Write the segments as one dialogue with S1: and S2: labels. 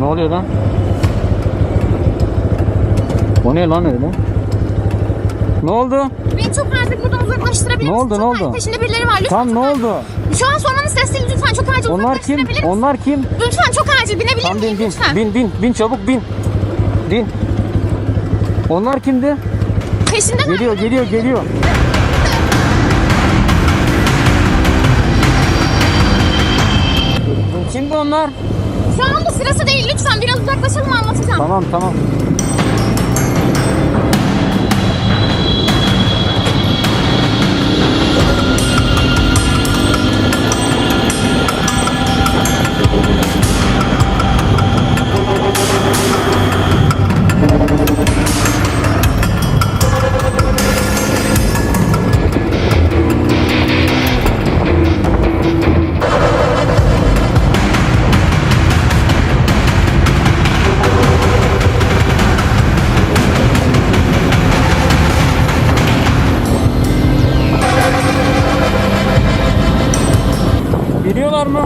S1: oluyor lan? O ne lan öyle? Ne oldu?
S2: Beni çok acil buradan uzaklaştırabilir
S1: Ne
S2: misin?
S1: oldu,
S2: Çok
S1: ne
S2: acil
S1: oldu?
S2: peşinde birileri var. Lütfen.
S1: Tam ne oldu?
S2: Şu an sormanın sesi değil. Lütfen çok acil
S1: Onlar kim?
S2: uzaklaştırabilir misin?
S1: Onlar kim?
S2: Lütfen çok acil binebilir
S1: Tam
S2: miyim
S1: bin
S2: lütfen?
S1: bin çabuk bin. Bin. Onlar kimdi?
S2: Peşinde
S1: Geliyor. Kimdi onlar?
S2: Şu anda sırası değil. Lütfen biraz uzaklaşalım anlatacağım.
S1: Tamam. Biliyorlar mı?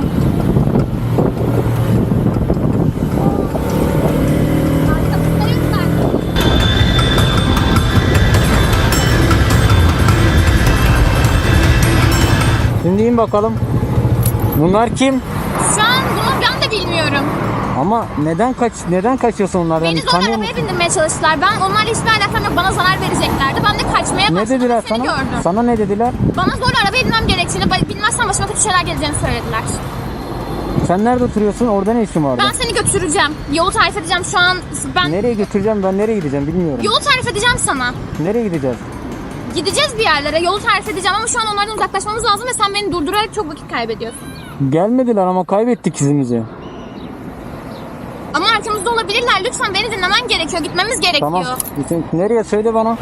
S1: Şimdi in bakalım. Bunlar kim?
S2: Şu an bunu ben de bilmiyorum.
S1: Ama neden kaçıyorsun onlardan?
S2: Beni zorla arabaya bindirmeye çalıştılar. Ben onlarla hiçbir alakam yok. Bana zarar vereceklerdi. Ben de kaçmaya
S1: Ne
S2: başladım.
S1: dediler
S2: Seni
S1: sana?
S2: gördüm.
S1: Sana ne dediler?
S2: Bana zorla arabaya binmem gerektiğini, bilmezsen başıma kötü şeyler geleceğini söylediler.
S1: Sen nerede oturuyorsun? Orada ne işin var?
S2: Ben seni götüreceğim. Yolu tarif edeceğim şu an.
S1: Nereye götüreceğim? Ben nereye gideceğim bilmiyorum.
S2: Yolu tarif edeceğim sana.
S1: Nereye gideceğiz?
S2: Gideceğiz bir yerlere. Yolu tarif edeceğim ama şu an onlardan uzaklaşmamız lazım ve sen beni durdurarak çok vakit kaybediyorsun.
S1: Gelmediler ama kaybettik izimizi.
S2: Ama arkamızda olabilirler. Lütfen beni dinlemen gerekiyor. Gitmemiz gerekiyor.
S1: Tamam. Nereye söyle bana.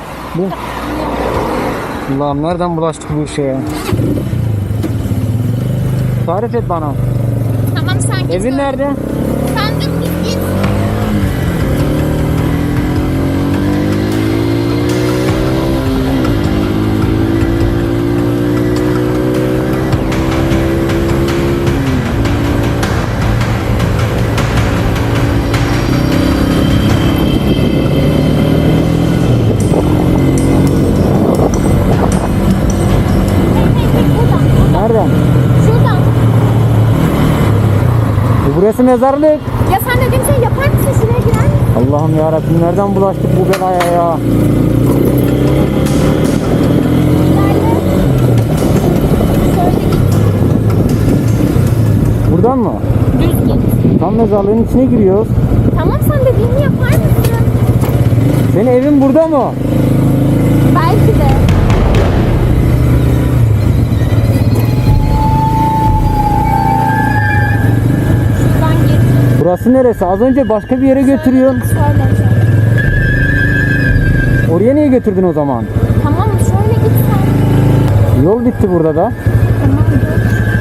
S1: Allah'ım nereden bulaştık bu işe ya? Tarif et bana.
S2: Tamam sen git.
S1: Evin nerede?
S2: Sen de git.
S1: Nereden?
S2: Şuradan.
S1: Burası mezarlık.
S2: Ya sen dediğim şeyi yapar mısın? Şuraya girer misin?
S1: Allah'ım yarabbim nereden bulaştık bu belaya ya? Buradan mı?
S2: Düz git.
S1: Tam mezarlığın içine giriyoruz.
S2: Tamam sen dediğimi yapar mısın?
S1: Senin evin burada mı?
S2: Belki de. Şuradan git.
S1: Burası neresi? Az önce başka bir yere götürüyorsun.
S2: Şöyle.
S1: Oraya niye götürdün o zaman?
S2: Tamam şöyle git sen.
S1: Yol bitti burada da.
S2: Tamam dur.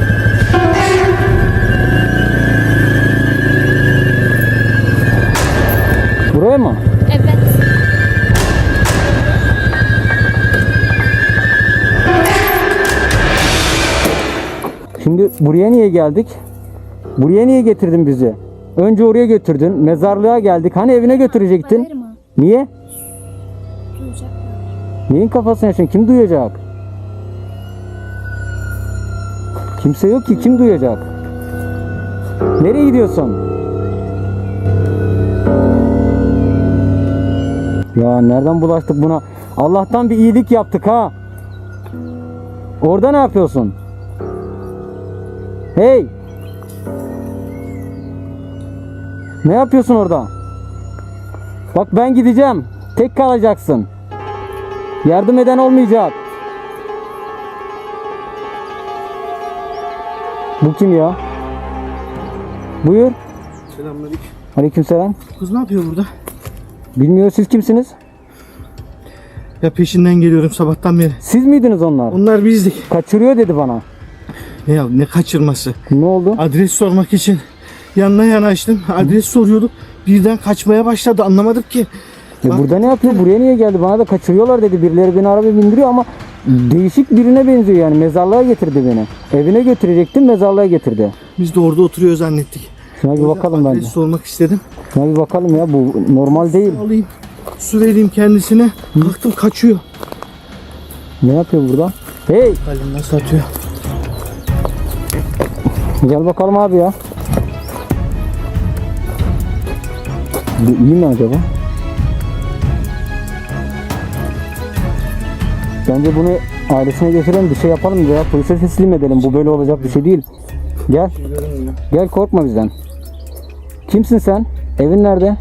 S1: Buraya mı?
S2: Evet.
S1: Şimdi buraya niye geldik? Buraya niye getirdin bizi? Önce oraya götürdün. Mezarlığa geldik. Hani evine götürecektin?
S2: Bağırma.
S1: Niye?
S2: Duyacaklar.
S1: Neyin kafasına yaşıyorsun? Kim duyacak? Kimse yok ki. Kim duyacak? Nereye gidiyorsun? Ya nereden bulaştık buna? Allah'tan bir iyilik yaptık ha. Orada ne yapıyorsun? Hey! Ne yapıyorsun orada? Bak ben gideceğim. Tek kalacaksın. Yardım eden olmayacak. Bu kim ya? Buyur.
S3: Selamünaleyküm.
S1: Aleykümselam.
S3: Kız ne yapıyor burada?
S1: Bilmiyor, siz kimsiniz?
S3: Ya peşinden geliyorum sabahtan beri.
S1: Siz miydiniz onlar?
S3: Onlar bizdik.
S1: Kaçırıyor dedi bana.
S3: Ya ne kaçırması?
S1: Ne oldu?
S3: Adres sormak için yanına yanaştım. Adres soruyorduk. Birden kaçmaya başladı. Anlamadım ki. Bak,
S1: Burada ne yapıyor? Buraya niye geldi? Bana da kaçırıyorlar dedi. Birileri beni arabaya bindiriyor ama değişik birine benziyor yani. Mezarlığa getirdi beni. Evine götürecektim, mezarlığa getirdi.
S3: biz de orada oturuyor zannettik.
S1: Şuna bir bakalım bence.
S3: Adresi sormak istedim.
S1: Şuna bir bakalım ya, bu normal değil.
S3: Alayım. Su vereyim kendisine. Baktım kaçıyor.
S1: Ne yapıyor burada? Hey,
S3: Halim nasıl atıyor?
S1: gel bakalım abi ya. Bu iyi mi acaba? Bence bunu ailesine götürelim, bir şey yapalım ya. Polise teslim edelim. Bu böyle olacak bir şey değil. Gel. Gel, korkma bizden. Kimsin sen? Evin nerede?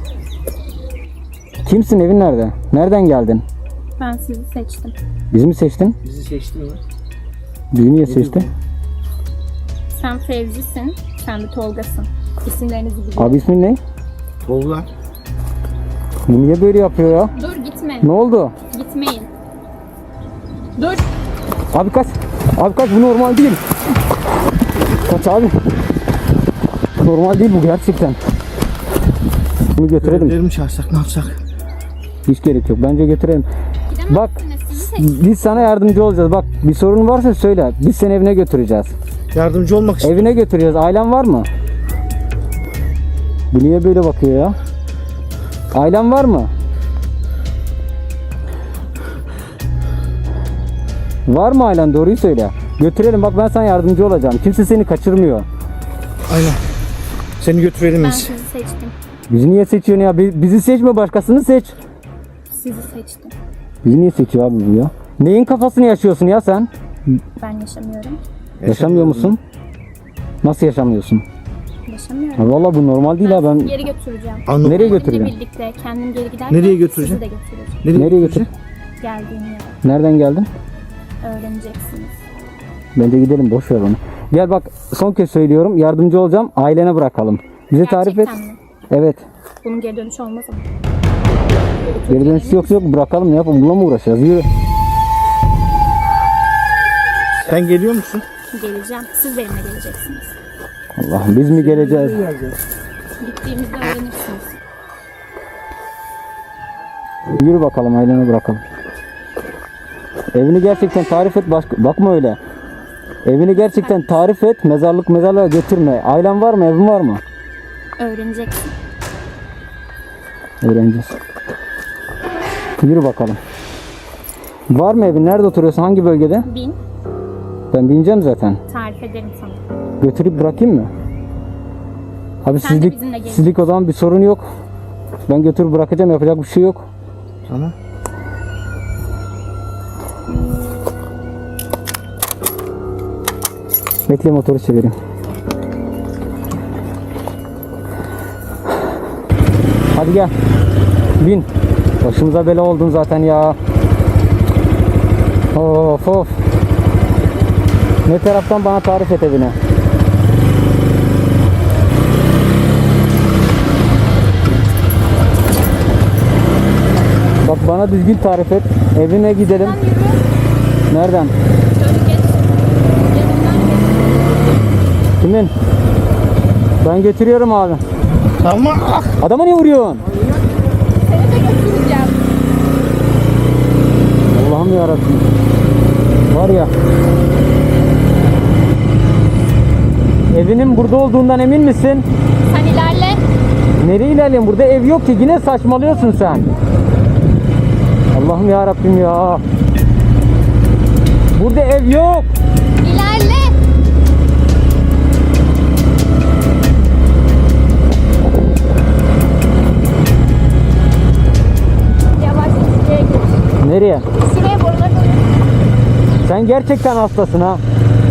S1: Kimsin, evin nerede? Nereden geldin?
S2: Ben sizi seçtim.
S1: Bizi mi seçtin?
S3: Bizi seçtin mi?
S1: Bizi niye seçtin?
S2: Sen Fevzi'sin, sen de Tolga'sın. İsimlerinizi biliyorum.
S1: Abi ismin ne?
S3: Tolga.
S1: Bu niye böyle yapıyor ya?
S2: Dur gitme.
S1: Ne oldu?
S2: Gitmeyin. Dur.
S1: Abi kaç. Abi kaç, bu normal değil. Kaç abi. Normal değil bu gerçekten. Bunu götürelim.
S3: Görevlileri mi çağırsak ne yapsak?
S1: Hiç gerek yok. Bence götürelim. Bak,
S2: Sizi seçtim.
S1: biz sana yardımcı olacağız. Bak, bir sorun varsa söyle. Biz seni evine götüreceğiz.
S3: Yardımcı olmak istiyorum.
S1: Evine götüreceğiz. Ailen var mı? Bu niye böyle bakıyor ya? Ailen var mı? Var mı ailen? Doğruyu söyle. Götürelim, bak ben sana yardımcı olacağım. Kimse seni kaçırmıyor.
S3: Aynen. Seni götürelim
S2: Ben
S3: biz.
S2: sizi seçtim.
S1: Bizi niye seçiyorsun ya? Bizi seçme, başkasını seç.
S2: Sizi seçtim.
S1: Bizi niye seçiyor abi bu ya? Neyin kafasını yaşıyorsun ya sen?
S2: Ben yaşamıyorum.
S1: Yaşamıyor musun? Nasıl yaşamıyorsun?
S2: Yaşamıyorum.
S1: Ha, vallahi bu normal değil ha, ben
S2: Geri götüreceğim.
S3: Anladım.
S1: nereye
S2: Benimle
S1: götüreceğim?
S2: birlikte kendim geri giderken
S3: Nereye götüreceğim?
S2: sizi de götüreceğim.
S1: Nereye götür?
S2: Geldiğim yere
S1: Nereden geldin?
S2: öğreneceksiniz.
S1: Bence gidelim, boş ver onu. Gel bak, son kez söylüyorum, yardımcı olacağım, ailene bırakalım. Bize tarif et.
S2: Gerçekten mi?
S1: Evet.
S2: Bunun geri dönüşü olmaz ama.
S1: Geri dönüş yok, bırakalım, ne yapalım, bununla mı uğraşacağız? Yürü.
S3: Sen geliyor musun?
S2: Geleceğim. Siz benimle geleceksiniz.
S1: Allah'ım, biz mi geleceğiz?
S2: Gittiğimizde öğrenirsiniz.
S1: Yürü bakalım, ailene bırakalım. Evini gerçekten tarif et, bakma öyle. Evini gerçekten tarif et, mezarlığa götürme. Ailen var mı, evin var mı?
S2: Öğreneceksin.
S1: Öğreneceğiz. Yürü bakalım. Var mı evin? Nerede oturuyorsun? Hangi bölgede?
S2: Bin.
S1: Ben bineceğim zaten.
S2: Tarif ederim sana.
S1: Götürüp bırakayım mı? Abi
S2: Sen de bizimle gel.
S1: sizlik o zaman bir sorun yok. Ben götürüp bırakacağım, yapacak bir şey yok.
S3: Tamam.
S1: Bekle, motoru çevireyim. Hadi gel. Bin. Başımıza bela oldun zaten ya. Of of. Ne taraftan, bana tarif et evine. Bak, bana düzgün tarif et. Evine gidelim.
S2: Sen yürü.
S1: Nereden?
S2: Şöyle geç. Yanımdan geç.
S1: Kimin? Ben götürüyorum abi.
S3: Tamam.
S1: Adama niye vuruyorsun?
S2: Seni de götüreceğim.
S1: Allah'ım yarabbim. Var ya. Evinin burada olduğundan emin misin?
S2: Sen ilerle.
S1: Nereye ilerleyeyim? Burada ev yok ki. Yine saçmalıyorsun sen. Allah'ım yarabbim ya. Burada ev yok.
S2: İlerle. Yavaş şuraya geç.
S1: Nereye?
S2: Şuraya borular koy.
S1: Sen gerçekten hastasın ha.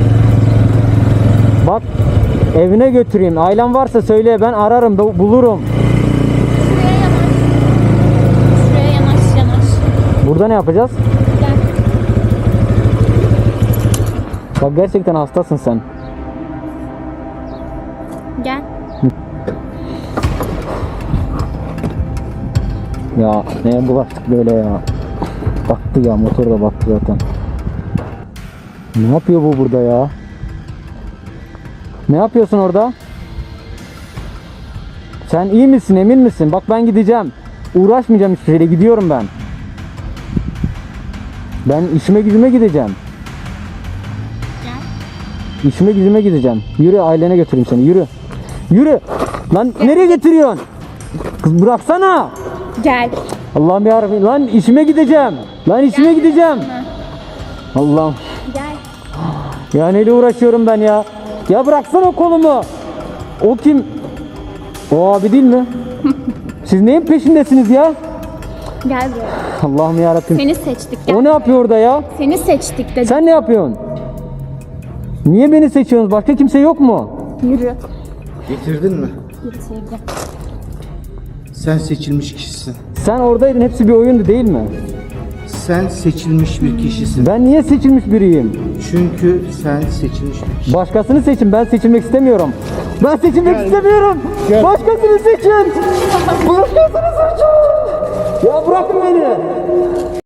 S1: Bak, evine götüreyim. Ailen varsa söyle, ben ararım, bulurum.
S2: Şuraya yanaş. Şuraya yanaş.
S1: Burada ne yapacağız?
S2: Gel.
S1: Bak, gerçekten hastasın sen.
S2: Gel.
S1: Ya neye bulaştık böyle ya. Baktı ya, motor da baktı zaten. Ne yapıyor bu burada ya? Ne yapıyorsun orada? Sen iyi misin, emin misin? Bak, ben gideceğim. Uğraşmayacağım hiçbir şeyle, gidiyorum ben. Ben işime gücüme gideceğim.
S2: Gel.
S1: İşime gücüme gideceğim. Yürü, ailene götüreyim seni, yürü. Yürü. Lan nereye getiriyorsun? Kız bıraksana.
S2: Gel.
S1: Allah'ım yarabbim. Lan işime gideceğim. Lan işime gideceğim. Allah'ım.
S2: Gel.
S1: Ya neyle uğraşıyorum ben ya? Ya bıraksana kolumu. O kim? O abi değil mi? Siz neyin peşindesiniz ya?
S2: Gel buraya.
S1: Allah'ım yarabbim.
S2: Seni seçtik. Gel.
S1: O ne yapıyor orada ya?
S2: Seni seçtik dedim.
S1: Sen ne yapıyorsun? Niye beni seçiyorsunuz? Başka kimse yok mu?
S2: Yürü.
S3: Getirdin mi?
S2: Getirdim.
S3: Sen seçilmiş kişisin.
S1: Sen oradaydın, hepsi bir oyundu değil mi?
S3: Sen seçilmiş bir kişisin.
S1: Ben niye seçilmiş biriyim?
S3: Çünkü sen seçilmiş bir kişisin.
S1: Başkasını seçin, ben seçilmek istemiyorum. Ben seçilmek istemiyorum.
S3: Gel.
S1: Başkasını seçin. Başkasını seçin. Ya bırakın beni.